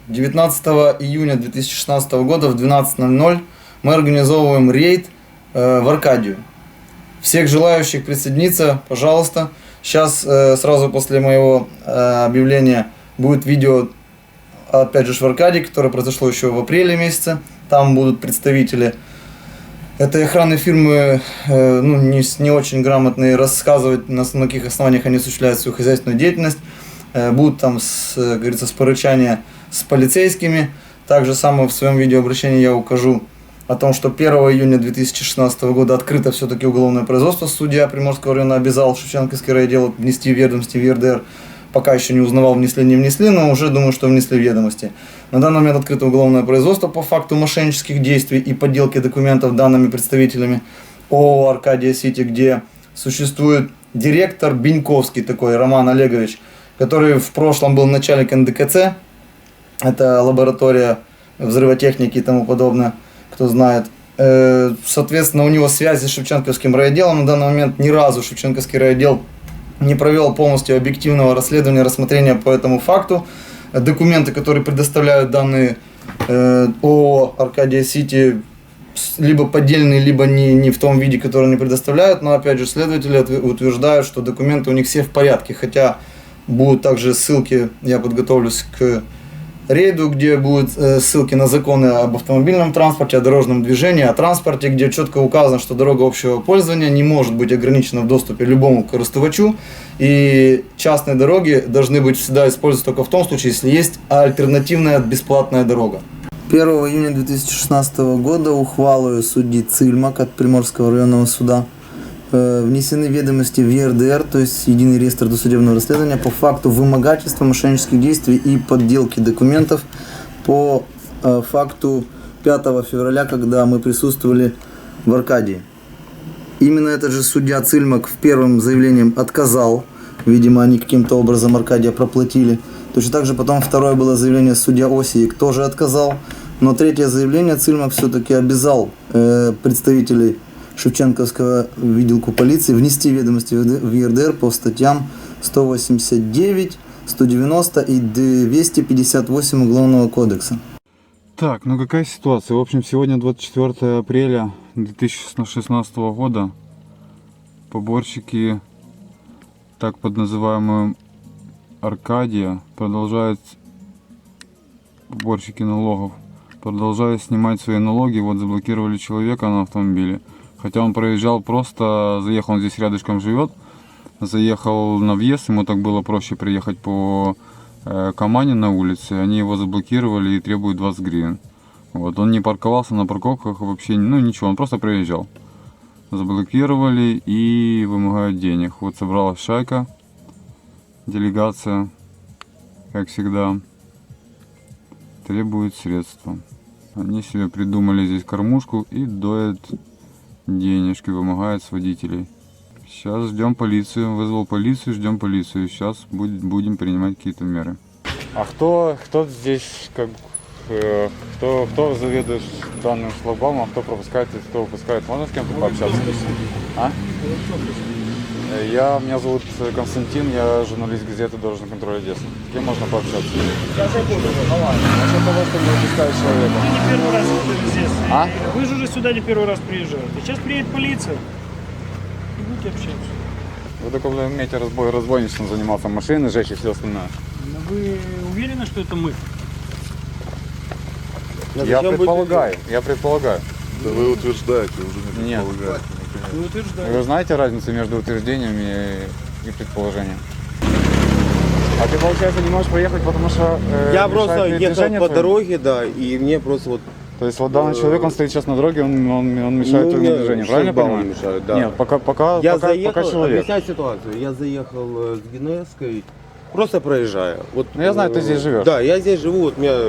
19 июня 2016 года в 12:00 мы организовываем рейд в Аркадию. Всех желающих присоединиться, пожалуйста. Сейчас сразу после моего объявления будет видео, опять же, в Аркадии, которое произошло еще в апреле месяце. Там будут представители этой охранной фирмы, не очень грамотные, рассказывать, на каких основаниях они осуществляют свою хозяйственную деятельность. Будут там, как говорится, спорычания с полицейскими. Также самое в своем видеообращении я укажу о том, что 1 июня 2016 года открыто все-таки уголовное производство. Судья Приморского района обязал Шевченковский райотдел внести в ведомости в ЕРДР. Пока еще не узнавал, внесли, не внесли, но уже думаю, что внесли в ведомости. На данный момент открыто уголовное производство по факту мошеннических действий и подделки документов данными представителями ООО «Аркадия Сити», где существует директор Беньковский такой, Роман Олегович, который в прошлом был начальник НДКЦ, это лаборатория взрывотехники и тому подобное, кто знает. Соответственно, у него связи с Шевченковским райотделом. На данный момент ни разу Шевченковский райотдел не провел полностью объективного расследования, рассмотрения по этому факту. Документы, которые предоставляют данные ООО «Аркадия Сити», либо поддельные, либо не в том виде, который они предоставляют. Но опять же, следователи утверждают, что документы у них все в порядке. Хотя будут также ссылки, я подготовлюсь к рейду, где будут ссылки на законы об автомобильном транспорте, о дорожном движении, о транспорте, где четко указано, что дорога общего пользования не может быть ограничена в доступе любому користувачу, и частные дороги должны быть всегда использоваться только в том случае, если есть альтернативная бесплатная дорога. 1 июня 2016 года ухвалою судьи Цильмак от Приморского районного суда внесены ведомости в ЕРДР, то есть Единый реестр досудебного расследования, по факту вымогательства, мошеннических действий и подделки документов по факту 5 февраля, когда мы присутствовали в Аркадии. Именно этот же судья Цильмак в первом заявлении отказал, видимо, они каким-то образом Аркадия проплатили. Точно так же потом второе было заявление судья Осиек, тоже отказал, но третье заявление Цильмак все-таки обязал представителей Шевченковского відділку полиции внести ведомости в ЕРДР по статьям 189, 190 и 258 Уголовного кодекса. Так, ну какая ситуация? В общем, сегодня 24 апреля 2016 года поборщики, так под называемую Аркадия, поборщики налогов, продолжают снимать свои налоги. Вот заблокировали человека на автомобиле. Хотя он проезжал просто, заехал, он здесь рядышком живет, заехал на въезд, ему так было проще приехать по Камане на улице, они его заблокировали и требуют 20 гривен. Вот, он не парковался на парковках вообще, ничего, он просто проезжал. Заблокировали и вымогают денег. Вот собралась шайка, делегация, как всегда, требует средства. Они себе придумали здесь кормушку и доят денежки, вымогает с водителей. Сейчас ждем полицию, вызвал полицию, ждем полицию. Сейчас будем принимать какие-то меры. А кто здесь, кто заведует данным шлагбаумом, кто пропускает и кто выпускает? Можно с кем-то пообщаться? Меня зовут Константин, я журналист газеты «Дорожный контроль Одессы». С кем можно пообщаться? Сейчас я буду. А что того, что не выпускает человека? Вы не первый раз здесь. А? Вы же уже сюда не первый раз приезжаете. Сейчас приедет полиция. И будете общаться. Вы только умеете разбойничеством заниматься, машины сжечь и все остальное. Но вы уверены, что это мы? Я предполагаю. Да вы утверждаете, уже не Нет. предполагаете. Вы утверждаете. Вы знаете разницу между утверждениями и предположением? А ты, получается, не можешь проехать, потому что Я просто ехал по твоему? дороге, да, и мне просто вот... То есть вот данный человек, он стоит сейчас на дороге, он мешает твоему мне движению, правильно я шлагбаум понимаю? мешает, да. Нет, пока человек. Объясняю ситуацию. Я заехал с Генесской, просто проезжая. Вот, Ну, я знаю, ты здесь живешь. Да, я здесь живу, вот мне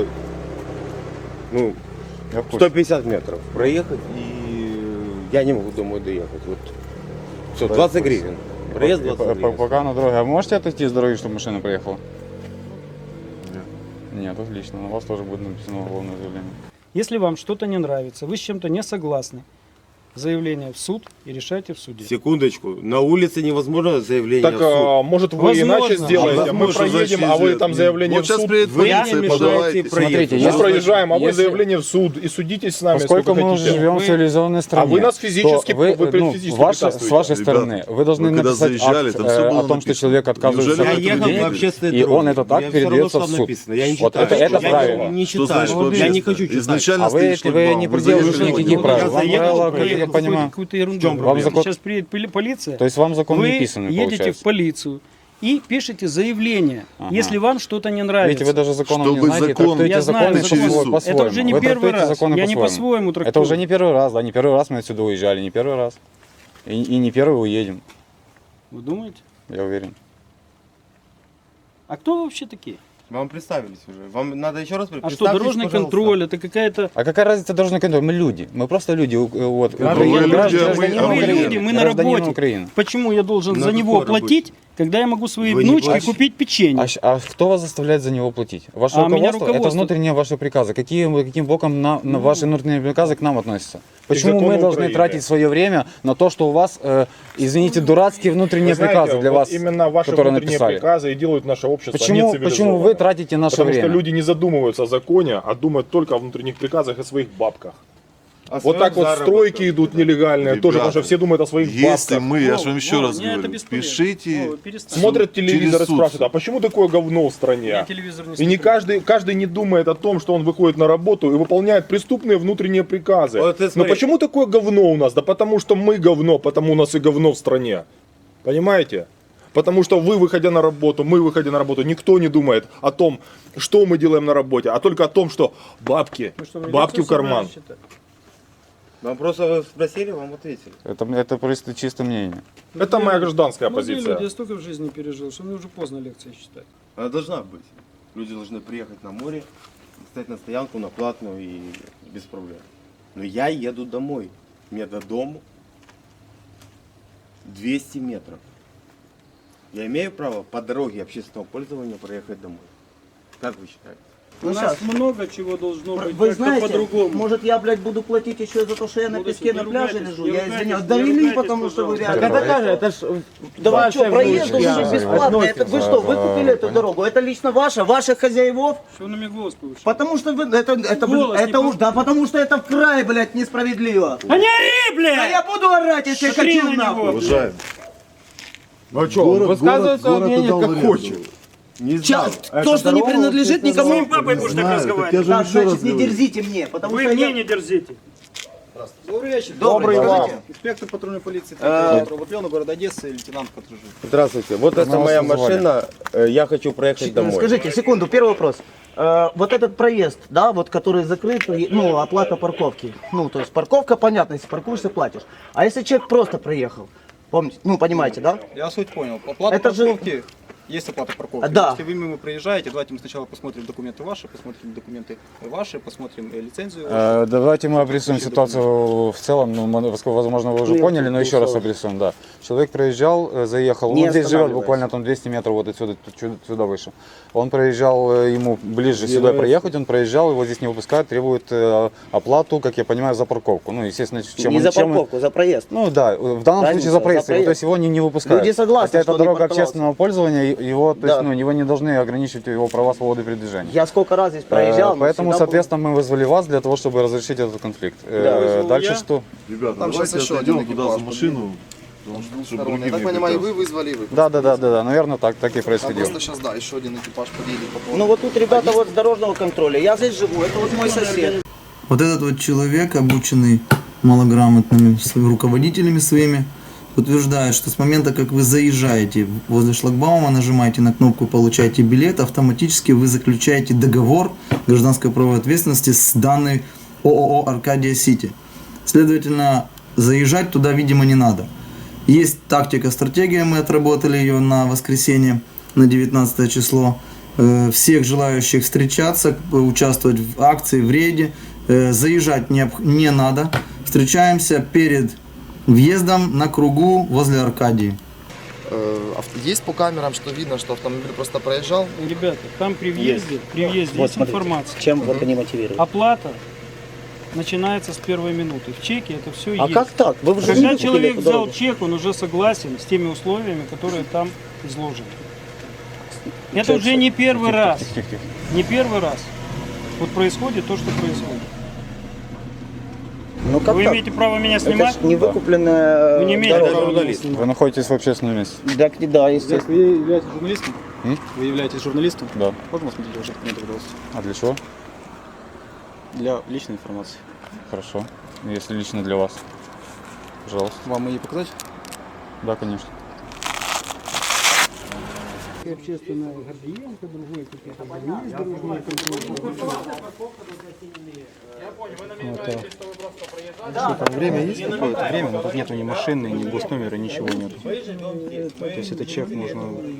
Я в курсе. 150 метров проехать, и я не могу домой доехать. Вот. Все, 20 гривен. Проезд 20 гривен. Пока на дороге. А можете отойти с дороги, чтобы машина проехала? Нет. Нет, отлично. На вас тоже будет написано уголовное заявление. Если вам что-то не нравится, вы с чем-то не согласны, заявление в суд и решайте в суде. Секундочку, на улице невозможно заявление Так, в суд. может, вы Возможно. иначе сделаете, мы Возможно, проедем, а вы там заявление Вот в сейчас суд. приедет Вы полиция, не мешаете подавайте. Смотрите, Мы если- проезжаем, а вы если- заявление в суд и судитесь с нами Поскольку сколько мы уже хотите. живем в цивилизованной стране, вы нас физически- то вы, вы ну, физически с препятствуете. вашей Ребята, стороны, вы должны вы когда написать заезжали, акт там всё было о том, что написано. человек отказывается Неужели от Я ехал денег, по общественной и дороге. он этот У акт меня всё равно передается в там суд. написано. Я не Вот читаю. это Я правильно. не Что читаю. значит вообще? Я не хочу читать. Изначально А вы, стоит вы шлагбаум, не вы придерживаетесь заехали, никаких вот, правил. Я Вам заехал, правила, как проехал я понимаю, какую-то ерунду. чем проблема? Вам закон- Сейчас приедет полиция. то есть вам закон Вы не писанный, едете получается. в полицию и пишете заявление, Ага. если вам что-то не нравится. Видите, вы даже законом не Чтобы знаете, закон- трактуете Я знаю, законы закон. по-своему. Это уже не Вы первый трактуете раз. законы Я не по-своему трактую. Это уже не первый раз, да, не первый раз мы отсюда уезжали, не первый раз. И не первый уедем, Вы думаете? я уверен. А кто вы вообще такие? Вам представились уже. Вам надо еще раз А что, представьтесь, дорожный пожалуйста. контроль, это какая-то... А какая разница дорожный контроль? Мы люди, мы просто люди, вот, вы люди, гражданин а мы Украины, люди, мы на гражданин работе. Украины. Почему я должен На за него какой работе? платить, когда я могу своей Вы не внучке платите? купить печенье? А кто вас заставляет за него платить? Ваше А меня руководство, это руководство. внутренние ваши приказы. Каким боком ваши внутренние приказы к нам относятся? Почему закону мы должны Украины. тратить свое время на то, что у вас, извините, дурацкие внутренние Вы знаете, приказы для вот вас, именно ваши которые внутренние написали? приказы и делают наше общество Почему нецивилизованным. вы тратите наше Потому время? что люди не задумываются о законе, а думают только о внутренних приказах и своих бабках. О Вот своем так вот заработке. стройки идут нелегальные, тоже, потому что все думают о своих Если бабках. мы, я же вам еще раз мне это говорю, бесполезно. пишите, Вова, перестань. Смотрят телевизор и суд. спрашивают, а почему такое говно в стране? Я телевизор не И не смотрю. каждый не думает о том, что он выходит на работу и выполняет преступные внутренние приказы. Вот ты Но смотри. почему такое говно у нас? Да потому что мы говно, потому у нас и говно в стране. Понимаете? Потому что вы, выходя на работу, мы, выходя на работу, никто не думает о том, что мы делаем на работе, а только о том, что бабки, Вы что, в бабки в лекцию карман. собрались читать? Вам просто спросили, вам ответили. Это просто чисто мнение. Это моя гражданская Молодые позиция. люди, я столько в жизни пережил, что мне уже поздно лекции читать. Она должна быть. Люди должны приехать на море, встать на стоянку, на платную и без проблем. Но я еду домой. Мне до дому 200 метров. Я имею право по дороге общественного пользования проехать домой. Как вы считаете? У нас много чего должно быть, Вы как-то знаете, по-другому. может я, блядь, буду платить еще и за то, что я на Будете, песке не на пляже ругайтесь, лежу? не Я ругайтесь, извиняюсь. не Довели, ругайтесь, потому что вы пожалуйста. реально... это же, это ж Да что, проезд должен быть бесплатный. Это вы что, вы купили эту Понятно. дорогу? Это лично ваших хозяевов? Что на меня голос повышает? Потому что вы, это, Голос не это уж, да, потому что это в край, блядь, несправедливо. А не ори, блядь! А я буду орать, если я Смотри хочу на него. нахуй. уважаемый. Ну что, высказывает свое мнение как хочет. Не знал. То, что не принадлежит С моим никому. папой будешь так разговаривать. Да, значит, не дерзите мне, потому Вы что мне я... не дерзите. Добрый вечер. Добрый вам. Скажите, инспектор патрульной полиции Правоотвела, город Одесса, лейтенант Катружин. Здравствуйте. Вот это нас моя вызывали. машина. Я хочу проехать домой. Скажите, секунду, первый вопрос. Вот этот проезд, да, вот который закрыт, ну, оплата парковки. Ну, то есть парковка, понятно, если паркуешься, платишь. А если человек просто проехал, помните, ну, понимаете, да? Я суть понял. Оплата Это же- парковки, есть оплата парковки. Да. Если вы мимо проезжаете, давайте мы сначала посмотрим документы ваши, посмотрим документы ваши, посмотрим лицензию. Давайте мы обрисуем ситуацию в целом. Ну, возможно, вы уже поняли, но еще раз обрисуем. Да. Человек проезжал, заехал. Не Он здесь живет останавливаясь. буквально там 200 метров вот отсюда, сюда выше. Он проезжал, ему ближе сюда проехать, он проезжал, его здесь не выпускают, требует оплату, как я понимаю, за парковку. Ну, естественно, чем Не он- за чем он- парковку, за проезд. Ну да, в данном Разница, случае за проезд, за проезд. то есть его не выпускают. Люди согласны, Хотя что это он не дорога парковался. общественного пользования, его, то есть, Да. ну, его не должны ограничивать его права свободы передвижения. Я сколько раз здесь проезжал. но Поэтому, всегда соответственно, мы вызвали вас для того, чтобы разрешить этот конфликт. вызвал Дальше я. что? Ребята, Там давайте сейчас еще один отойдем туда экипаж за машину. потому что, чтобы Я другим так не понимаю, и препятствовать. вы вызвали, и вы. Да, наверное, так и А происходило. просто сейчас, да, еще один экипаж подъедет по был. поводу. Ну вот тут ребята вот с дорожного контроля. Я здесь живу, это вот мой сосед. Вот этот вот человек, обученный малограмотными руководителями своими, утверждает, что с момента, как вы заезжаете возле шлагбаума, нажимаете на кнопку «Получайте билет», автоматически вы заключаете договор гражданской правовой ответственности с данной ООО «Аркадия Сити». Следовательно, заезжать туда, видимо, не надо. Есть тактика, стратегия, мы отработали ее на воскресенье, на 19 число. Всех желающих встречаться, участвовать в акции, в рейде, заезжать не надо. Встречаемся перед въездом на кругу возле Аркадии. Есть по камерам, что видно, что автомобиль просто проезжал? Ребята, там при въезде есть информация. Чем вот они мотивируют? Оплата начинается с первой минуты. В чеке это все А есть. как так? Вы уже Когда не человек купили эту взял дорогу? чек, он уже согласен с теми условиями, которые там изложены. Это уже не первый раз. Не первый раз. Вот происходит то, что происходит. Ну как Вы так? имеете право меня Это снимать? ж не выкупленная Вы не имеете дорога. права меня снимать. Вы находитесь в общественном месте. Так, да, естественно. Вы являетесь журналистом? Вы являетесь журналистом? Да. Можно посмотреть ваши документы, пожалуйста? А для чего? Для личной информации. Хорошо. Если лично для вас. Пожалуйста. Вам ее показать? Да, конечно. Общественная гардиенка, другой какие-то больницы, дорожные Время есть какое-то время, но тут нету ни машины, ни госномера, ничего нету. То есть этот чек можно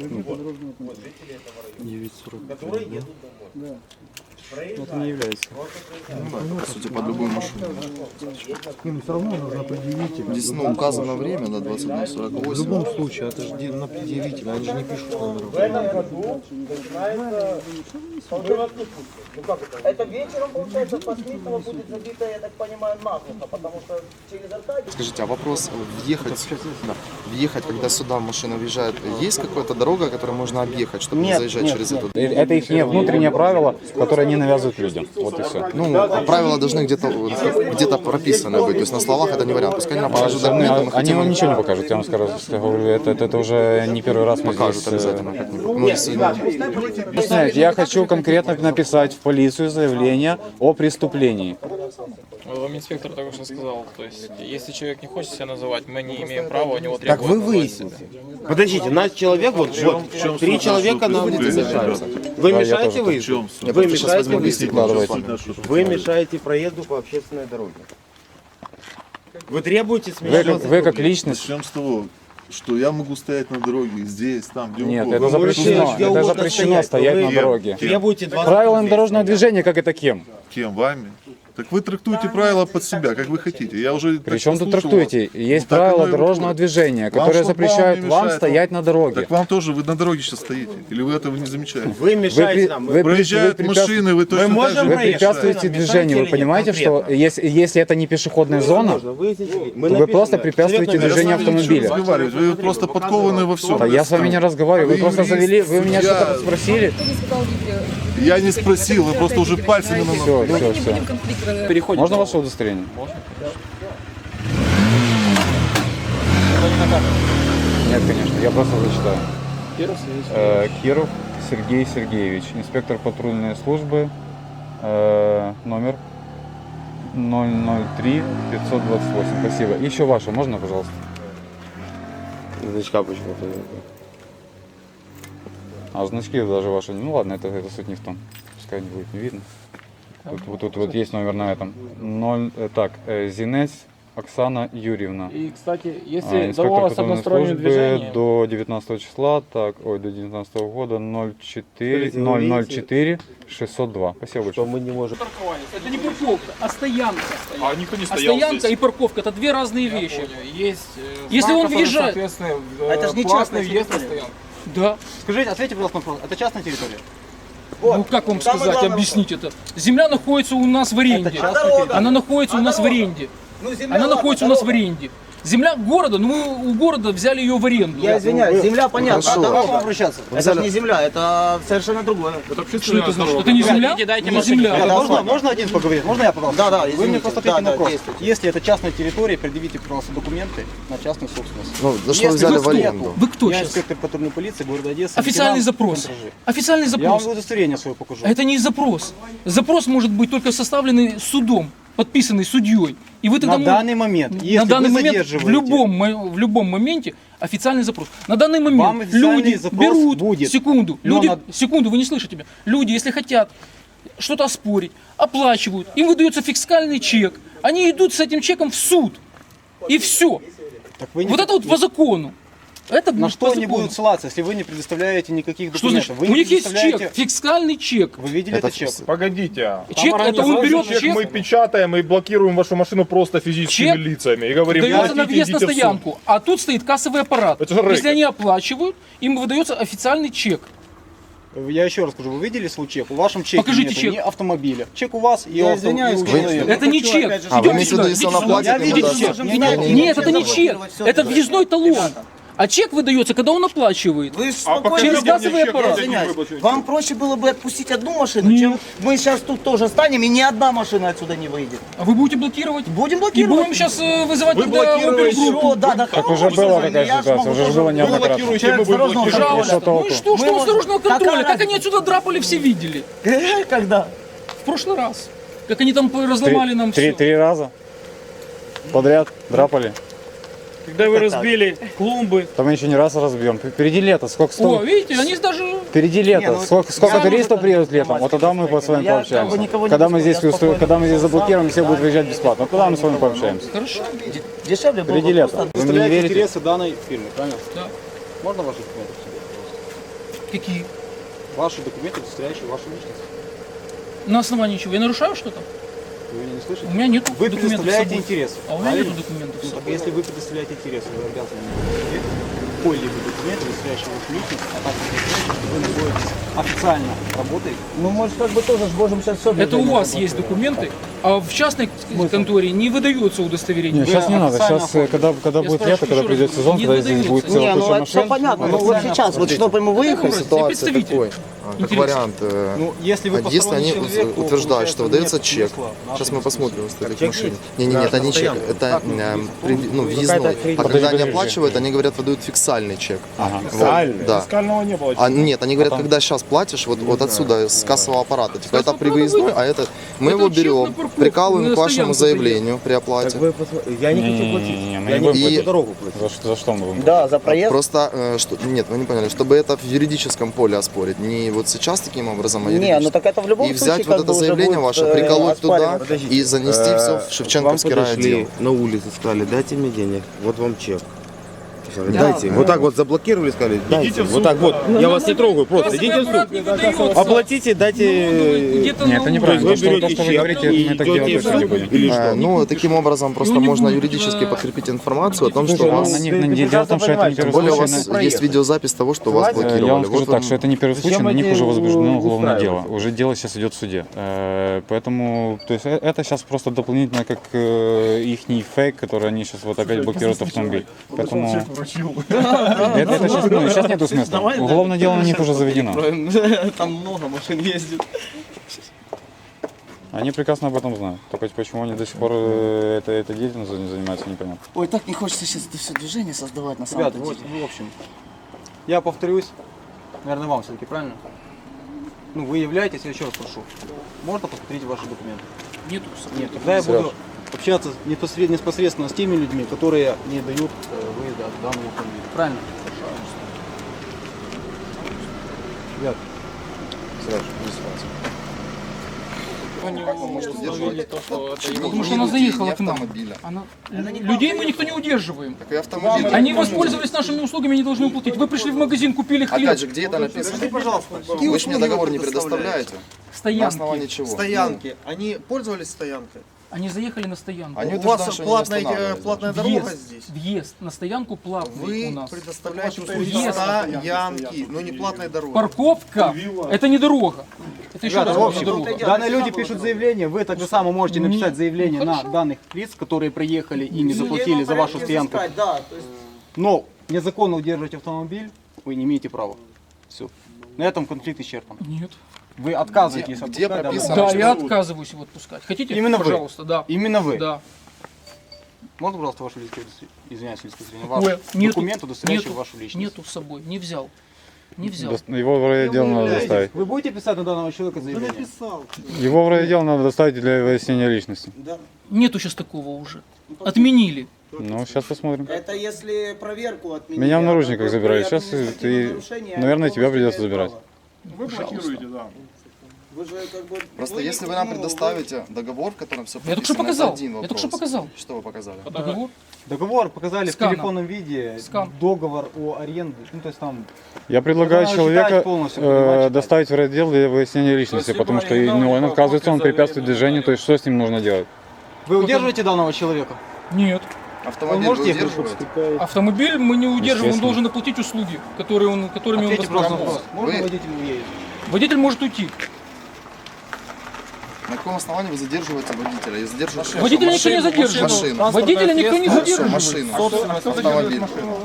9.40. Это не является. По сути, под любую машину. Им все равно нужно предъявить. Здесь указано время, да, 21:48. В любом случае, это же на предъявителя, они же не пишут номер. Это вечером, получается, Посмитного будет забито, я так понимаю, наглухо, потому что через Аркадий... Скажите, а вопрос, въехать, когда сюда машина въезжает, есть какая-то дорога, которую можно объехать, чтобы не Нет, заезжать нет, через нет. эту? Это их внутреннее правило, которое они навязывают людям. Вот и все. Ну, правила должны где-то прописаны быть, то есть на словах это не вариант. Пускай они нам покажут документы, мы Они хотим вам им ничего не покажут, я вам скажу. Я говорю, это уже не первый раз мы покажут здесь. обязательно как-нибудь. Ну, если Объясняют, я хочу конкретно написать в полицию заявление о преступлении. Вам инспектор только что сказал, то есть, если человек не хочет себя называть, мы не имеем права у него требовать. Так вы назвать выясните. себя. Подождите, наш человек, вот 3 человека нам мешаются. Вы Да, я мешаете тоже выезду? Я Вы просто сейчас мешаете возьму выезду? листик, Давайте. Вы мешаете проезду по общественной дороге. Вы требуете с меня... Вы как личность. Начнем с того, что я могу стоять на дороге здесь, там, где Нет, угодно. это запрещено. где Это угодно запрещено стоять на Вы дороге. требуете 20 Правилами дорожного движения, как это кем? Кем? Вами? Так вы трактуете правила под себя, как вы хотите. Я уже Причем тут послушал трактуете? вас. Есть Так правила оно и дорожного выходит. движения, Вам которые шлагбаум запрещают не вам мешает, стоять на дороге. Так вам тоже, вы на дороге сейчас стоите. Или вы этого не замечаете? Вы мешаете нам. Проезжают машины, вы точно так можем же Вы проехать. препятствуете Мешаете движению. Вы или нет понимаете, что конкретно? если это не пешеходная зона, Мы то вы просто препятствуете движению автомобиля. разговаривать. Вы просто подкованы во всем. Да я с вами не разговариваю. Вы Вы просто юрист, завели, вы меня судья. что-то спросили. Я не спросил, вы просто уже пальцами на нас. Все. Переходим. Можно ваше удостоверение? Нет, конечно, я просто зачитаю. Киров Сергей Сергеевич, инспектор патрульной службы, номер 003 528. Спасибо. Еще ваше, можно, пожалуйста? Значка почему-то. А значки даже ваши. Ну ладно, это суть не в том. Пускай не будет не видно. Тут есть номер на этом. Зинец Оксана Юрьевна. И, кстати, если Инспектор договор с патрульной односторонним службы движением, до 19 числа, до 19 года 004 602. Спасибо большое. Мы не можем. это не парковка, а стоянка. А никто не А стоянка и парковка это две разные вещи. Есть Если он въезжает, Это же не частная территория. да. Скажите, ответьте, пожалуйста, на вопрос. Это частная территория? Ну как вам Самое сказать, главное объяснить это? Земля находится у нас в аренде. дорога? Она находится у нас в аренде. Ну, земля, Она ладно, находится у нас в дорога. аренде. Земля города, ну мы у города взяли ее в аренду. Я извиняюсь, земля понятно, а Хорошо. дорога? обращаться? Это же не земля, это совершенно другое. Что это значит? Это не земля? Дайте Не машину. земля. Можно один поговорить? Можно я, пожалуйста? Да, да, Вы извините. мне просто ответьте Да, на да, вопрос. действуйте. Если это частная территория, предъявите, пожалуйста, документы на частную собственность. Ну, за что Если взяли вы в аренду? Вы кто Я сейчас? инспектор патрульной полиции города Одессы. Официальный лейтенант запрос. контр-Ж. Официальный Я вам запрос. удостоверение свое покажу. А это не запрос. Запрос может быть только составленный судом, подписанный судьей. И вы тогда На данный момент, если на данный вы момент задерживаете, в любом моменте официальный запрос. На данный Вам момент официальный люди запрос берут будет. секунду, Но люди, на- секунду, вы не слышите меня. Люди, если хотят что-то оспорить, оплачивают, им выдается фискальный чек, они идут с этим чеком в суд. И все. так вы не- Вот это вот по закону. Это на будет что по они закону. будут ссылаться, если вы не предоставляете никаких Что документов? значит? Вы У не них есть предоставляете- чек, фискальный чек. Вы видели Это этот чек? Погодите. Чек, это он берет Мы чек, печатаем и блокируем вашу машину просто физическими Чек лицами. И говорим, дается на платите, въезд на идите в суд. стоянку, а тут стоит кассовый аппарат. Это же рэкет. Если они оплачивают, им выдается официальный чек. Я еще раз скажу, вы видели свой чек? В вашем чеке Покажите нету чек. ни автомобиля. Чек у вас и Я у извиняюсь, и у конечно. человека. Это не чек. А, вы Идем имеете в сюда, виду, если идите она сюда. платит, Я ему видел даст? чек. Нет, это не чек. Это въездной талон. А чек выдается, когда он оплачивает. Вы ж А спокойно Через газовый аппарат. извиняюсь. Вам проще было бы отпустить одну машину, чем мы сейчас тут тоже станем, и ни одна машина отсюда не выйдет. А вы будете блокировать? Будем И блокировать. будем сейчас вызывать Вы тогда блокируете. опергруппу. Что? Да, да. Так уже была такая ситуация, уже же было Вы неоднократно. блокируете, мы Человек будем дорожного блокировать. контроля. Ну и что, что Мы у дорожного можем- контроля? Какая Как они отсюда драпали, все видели. Когда? В прошлый раз. Как они там разломали нам все. Три раза подряд драпали. Когда вы разбили клумбы, Там еще не раз разбьем. Впереди лето, сколько О, видите, они даже... Впереди лето. Сколько туристов приедут летом, вот тогда мы с вами Я пообщаемся. никого не Когда мы беспокою, здесь я спокойно когда мы здесь заблокируем, все будут выезжать бесплатно. Тогда мы с вами пообщаемся. Хорошо. Дешевле было Впереди бы лето. просто... Вы мне не Представляете верите? интересы данной фирмы, правильно? Да. Можно ваши документы? Какие? Ваши документы, удостоверяющие вашу личность. На основании чего? Я нарушаю что-то? Вы меня не слышите? У меня нет Вы документов с предоставляете собой. интересы. А у меня правильно? нет документов с Ну, так собой. если вы предоставляете интересы, вы обязаны мне какой-либо документ, удостоверяющий вашу личность, а также удостоверяющий, что вы находитесь официально работаете. Ну, может, как бы тоже можем сейчас все... Это у вас есть документы, а в частной конторе не выдается удостоверение. Нет, сейчас не надо. официально Сейчас, когда Я будет спрашиваю лето, когда еще придет раз, сезон, не когда здесь выдается. будет целая Не, куча ну это все машин. понятно. Ну вот сейчас, вот чтобы ему выехать... Ситуация представитель. такой, как Интересно. вариант. Ну, если вы Если посторонний они человек, то, утверждают, что получается, выдается нет чек, смысла нашей сейчас мы дискуссии. посмотрим с этих машин. Не, это не чек, это въездной. А Подожди, когда они подожди. оплачивают, они говорят, выдают фиксальный чек. Ага. Вот, да. Фискального не было. А нет, они говорят, когда сейчас платишь, вот отсюда, с кассового аппарата, типа это при выездной, а это мы Это его чек на берем, парковку, прикалываем на к вашему стоянку заявлению при оплате. Я не хочу платить. Не-не-не, мы Я не не будем И- хочу дорогу платить. За что мы будем? Да, за проезд. Просто, нет, вы не поняли, чтобы это в юридическом поле оспорить, не вот сейчас таким образом, а Не, ну юридически. так это в любом И случае взять как вот бы это уже заявление будет, ваше, приколоть туда оспариваться. и занести все в Шевченковский Вам подошли райотдел. на улице, сказали, дайте мне денег, вот вам чек. Дайте. Вот так вот заблокировали, сказали, дайте. Вот так вот. Я вас не трогаю, просто идите в суд. Оплатите, дайте. Где-то Нет, это неправильно. Вы То, что вы берете говорите, чек и мы так делать идете точно не в суд. будем. Или что? Ну, таким образом просто Ну, не можно будет, юридически да. подкрепить информацию о том, что Слушай, вас... ну, дело в том, что это не Тем первый более у случай. вас есть видеозапись того, что вас Я вам блокировали. скажу Вот так, вам- что это не первый случай, Зачем на них эти уже возбуждено уголовное дело. устраивать? Уже дело сейчас идет в суде. Поэтому, то есть это сейчас просто дополнительно как их фейк, который они сейчас вот опять блокируют автомобиль. Поэтому это сейчас нету смысла. Уголовное дело на них уже заведено. Там много машин ездит. Они прекрасно об этом знают. Только почему они до сих пор этой деятельностью не занимаются, непонятно. Ой, так не хочется сейчас это все движение создавать на самом Ребята, деле. вот, в общем, я повторюсь, наверное, вам все-таки, правильно? Ну, вы являетесь, я еще раз прошу, можно посмотреть ваши документы? Нету. Нет, тогда я буду общаться непосредственно с теми людьми, которые не дают выезда от данного автомобиля. Правильно? Ребят, Потому что она заехала к нам. Людей мы никто не удерживаем. Так и автомобиль. Они воспользовались нашими услугами, они должны уплатить. Вы пришли в магазин, купили хлеб. Опять же, где это написано? Вы же мне договор не предоставляете. На основании Стоянки. чего? Стоянки. Они пользовались стоянкой? Они заехали на стоянку. Они У вас утверждают, что они не останавливались платная даже. дорога Въезд, здесь? въезд на стоянку платный у Вы нас. предоставляете услуги Въезд. стоянки, но не платной дороги. Парковка – это не дорога. Это еще ребята, раз в говорю, общем, не дорога. данные люди пишут заявление, вы так же само можете написать заявление на данных лиц, которые приехали и не заплатили за вашу стоянку. Да, то есть... Но незаконно удерживать автомобиль вы не имеете права. Все. На этом конфликт исчерпан. Нет. Вы отказываетесь Где отпускать данного прописано, Да, что- я отказываюсь его отпускать. Хотите? Именно вы? Пожалуйста, да. Именно вы. Да. Можно, пожалуйста, ваше личное удостоверение? Извиняюсь, личное удостоверение. Ой, Ваш нету, документ, удостоверяющий нету, вашу личность. Нету с собой, не взял. Не взял. Его в райотдел надо доставить. Вы будете писать на данного человека заявление? Его в райотдел надо доставить для выяснения личности. Нету сейчас такого уже. Отменили. Ну, сейчас посмотрим. Это если проверку отменить. Меня в наручниках забирали. Сейчас ты, наверное, тебя придется забирать. Вы блокируете, да. Вы же как бы... Просто если вы нам предоставите договор, в котором все Я только что прописано, это показал. один Я вопрос. только что показал. Что вы показали? Договор. Договор показали Сканом. в телефонном виде, Скан. договор о аренде, ну то есть там... Я предлагаю надо человека читать полностью, понимать, читать. доставить в райотдел для выяснения личности, потому что он, оказывается, он препятствует движению, то есть что с ним нужно делать? Вы удерживаете данного человека? Нет. Автомобиль Он может вы ехать? удерживаете? Автомобиль мы не удерживаем, он Естественно. должен оплатить услуги, которыми он Ответьте просто на воспользовался. вопрос. Можно Вы- водителю уедет? Водитель может уйти. На каком основании вы задерживаете водителя? Я задерживаю Водителя никто не задерживает. Машину. Водителя никто не Хорошо, задерживает. машину. Автомобиль.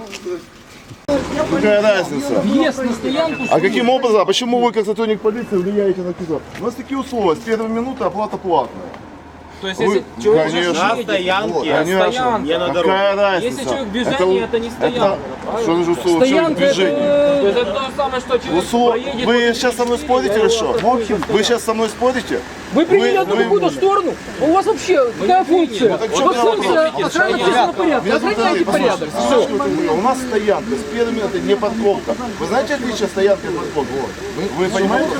Какая разница? Въезд на стоянку. А каким образом, а почему вы как сотрудник полиции влияете на куда? У нас такие условия, с первой минуты оплата платная. То есть, Вы- если человек конечно. уже едет, Конечно. не на дороге. Какая разница? Если человек в движении, это не стоянка. Что же условия? Стоянка Движение. То есть это то же самое, что человек проедет. Вы сейчас со мной спорите или что? Вы сейчас со мной спорите? Вы приняли одну вы- какую-то сторону? У вас вообще какая функция? так Вот что меня функция вопрос? охраны общественного порядка. Охраняйте порядок. Все. У нас стоянка, с первой минуты не парковка. Вы знаете отличие стоянки от парковки? Вы понимаете?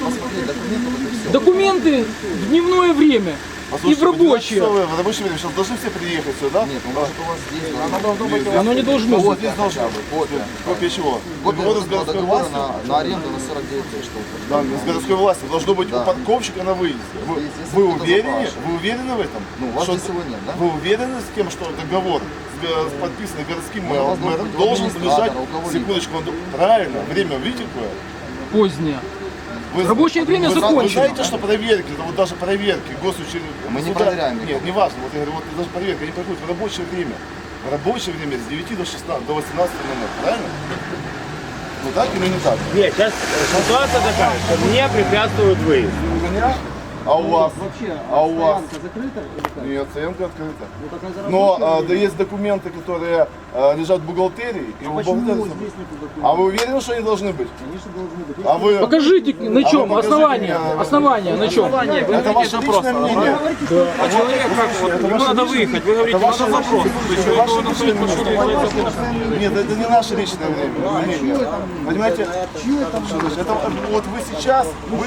Документы в дневное время и в Послушайте, рабочее. в рабочее время сейчас должны все приехать сюда? Нет, ну может у вас здесь. Оно не должно Вот быть. здесь должна быть. Копия. Копия чего? Копия Договора с городской договора властью? на аренду на 49 тысяч. Да, с городской властью. Должно быть у парковщика на выезде. Если Вы кто-то уверены? запрашивает. Вы уверены в этом? Ну, у вас Что- здесь его нет, да? Вы уверены с тем, что договор подписанный городским Ну, у вас мэром должен быть должен администратор, лежать, у кого секундочку, правильно, время видите какое? Позднее. Вы- Рабочее время вы закончено. знаете, что проверки, это вот даже проверки госучреждений. Мы не проверяем Нет, никого. не важно, вот я говорю, вот даже проверки, они проходят в рабочее время. В рабочее время с 9 до 16, до 18:00, правильно? Ну так или не так? Нет, сейчас ситуация такая, что мне препятствует выезд. У меня? А у вас? Вообще, А у вас? закрыта или как? Нет, стоянка открыта. Ну, так она Но да, есть документы, которые лежат в бухгалтерии. И у почему бухгалтерии- здесь нет документов? А вы уверены, что они должны быть? Конечно, должны быть. А вы... Покажите, на чем, покажите основание, мне, основание, на чем. Это ваше личное мнение. А человек как вот, ему надо выехать, вы говорите, надо запрос. Это ваше личное мнение. Нет, это не наше личное мнение. Понимаете? Это вот вы сейчас, вы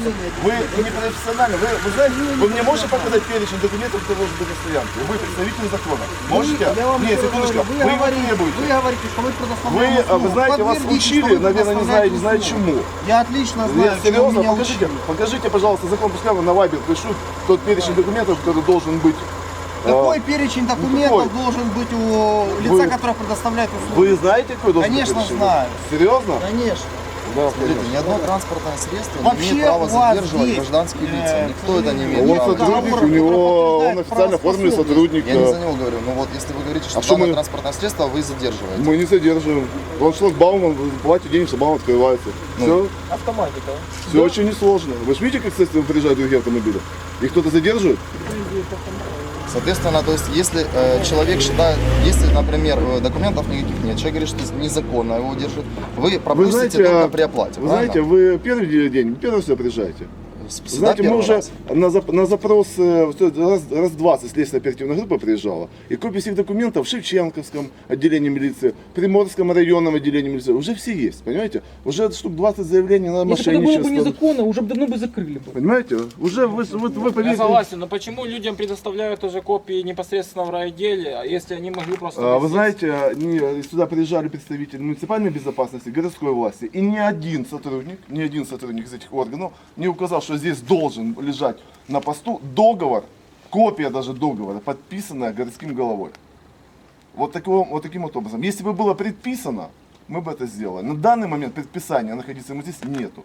не профессиональны. Вы знаете, вы мне можете показать перечень документов, кто должен быть на стоянке? Вы представитель закона. Можете? Нет, секундочку. Вы его требуете. Вы говорите, что вы предоставляете Вы знаете, вас учили, наверное, не знаю чему. Я отлично знаю, Нет, чему серьезно, меня покажите, пожалуйста, закон, пускай вы на Вайбер пришлют тот перечень документов, который должен быть. Какой перечень документов какой? должен быть у лица, Вы- которое предоставляет услуги? Вы знаете, какой должен быть Конечно, перечень? знаю. Серьезно? Конечно. Да, Смотрите, ни одно транспортное средство Вообще не имеет права у вас задерживать есть, гражданские лица. Никто это не Он имеет права. сотрудник, у него, он официально оформленный сотрудник. Я не за него говорю, но вот если вы говорите, что А что данное мы- транспортное средство вы задерживаете. Мы не задерживаем. Он шлагбаум, он платит денег, шлагбаум открывается. Все, Автоматика. все очень несложно. Вы же видите, как, кстати, приезжают другие автомобили? Их кто-то задерживает? Соответственно, то есть если человек считает, если, например, документов никаких нет, человек говорит, что незаконно его держит, вы пропустите только при оплате. Вы знаете, вы первый день, первый сюда приезжаете? Всегда Знаете, мы первый уже раз. на запрос раз 20 следственная оперативная группа приезжала, и копии всех документов в Шевченковском отделении милиции, Приморском районном отделении милиции, уже все есть, понимаете? Уже штук 20 заявлений на Если бы это было бы мошенничество. незаконно, уже бы давно бы закрыли бы. Понимаете? Уже вы Я поверите. согласен, но почему людям предоставляют уже копии непосредственно в райотделе, а если они могли просто... Вы знаете, сюда приезжали представители муниципальной безопасности, городской власти, и ни один сотрудник из этих органов не указал, что здесь должен лежать на посту договор, копия даже договора, подписанная городским головой. Вот таким вот образом. Если бы было предписано, мы бы это сделали. На данный момент предписания находиться ему здесь нету.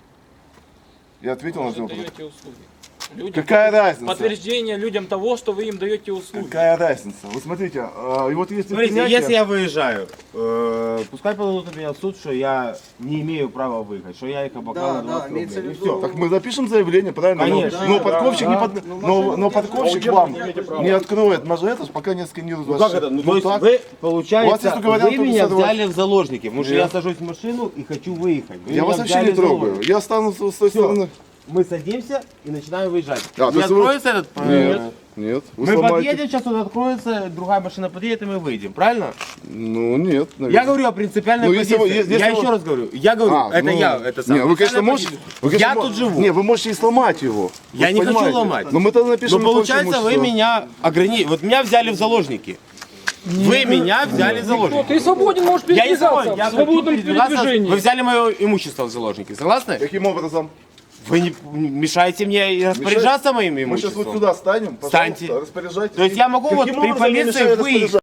Я ответил на Вы этот вопрос. даете услуги. Людям Какая разница? Подтверждение людям того, что вы им даете услуги. Какая разница? Вы смотрите, и вот если Смотрите, принятие- если я выезжаю, пускай подадут на меня в суд, что я не имею права выехать, что я их обокрал на 20 рублей. И все. Так мы запишем заявление, правильно? Конечно. Но парковщик, но парковщик вам не откроет мажоритус, пока не сканирует Ну ваш как это? Ну, чек. то есть так. вы, У вас получается, есть только вариант вы меня сорвать. взяли в заложники, потому что Нет. я сажусь в машину и хочу выехать. Вы Я меня вас вообще взяли не в трогаю. заложники. Я останусь с той стороны. Мы садимся и начинаем выезжать. А, то Не есть вы- откроется этот? Нет. Вы Мы сломаете- подъедем, сейчас он откроется, другая машина подъедет, и мы выйдем, правильно? Ну нет, Я наверное. говорю о принципиальной Ну, если позиции. вы- если я вы- еще раз говорю, я говорю, это ну, я, это Не, самое. вы, конечно, Принципиальная можете. позиция. Вы, конечно, Я тут живу. Не, вы можете и сломать его. Я Вы не хочу понимаете? ломать. Но мы тогда напишем. Но получается, вы меня ограничили. Вот меня взяли в заложники. Вы меня взяли в заложники. Ты свободен, можешь Я не передвигаться свободен, я в свободном хочу передвигаться. передвижении. Вы взяли мое имущество в заложники, согласны? Каким образом? Вы не мешаете мне и распоряжаться моим Мы сейчас имуществом. вот сюда станем, Встаньте. пожалуйста, распоряжайтесь. То есть я могу вот Каким при образом я полиции мешаю выехать.